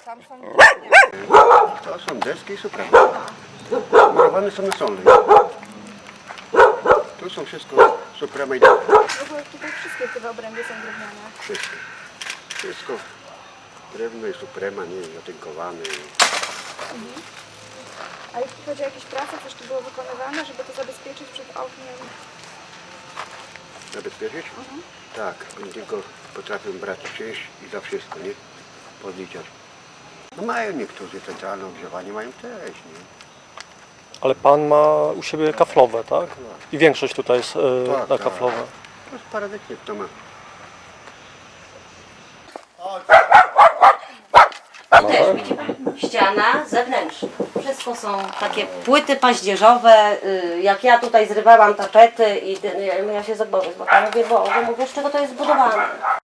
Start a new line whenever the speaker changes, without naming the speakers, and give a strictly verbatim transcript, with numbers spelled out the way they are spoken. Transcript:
tam są drewniane.
To są deski i supremy. Murowane są na solnej. Tu są wszystko supremy i deski.
W ogóle tutaj wszystkie te obręby są drewniane.
Wszystko. Wszystko. Drewno i suprema, nie zatynkowane.
Mhm. A jeśli chodzi o jakieś prace, coś tu było wykonywane, żeby to zabezpieczyć przed ogniem?
Zabezpieczyć?
Mhm.
Tak, oni tylko potrafią brać część i za wszystko, nie? Podliczać. No mają niektórzy centralne ogrzewanie, mają też, nie?
Ale pan ma u siebie kaflowe, tak? I większość tutaj jest e,
Tak,
na
tak.
kaflowe.
To jest paradoksalnie, to ma.
Też, widzi pan? Ściana zewnętrzna. Wszystko są takie płyty paździerzowe. y, Jak ja tutaj zrywałam tapety i ten- ja- ja się zabawię, bo ja mówię, Boże, mówię, z czego to jest zbudowane.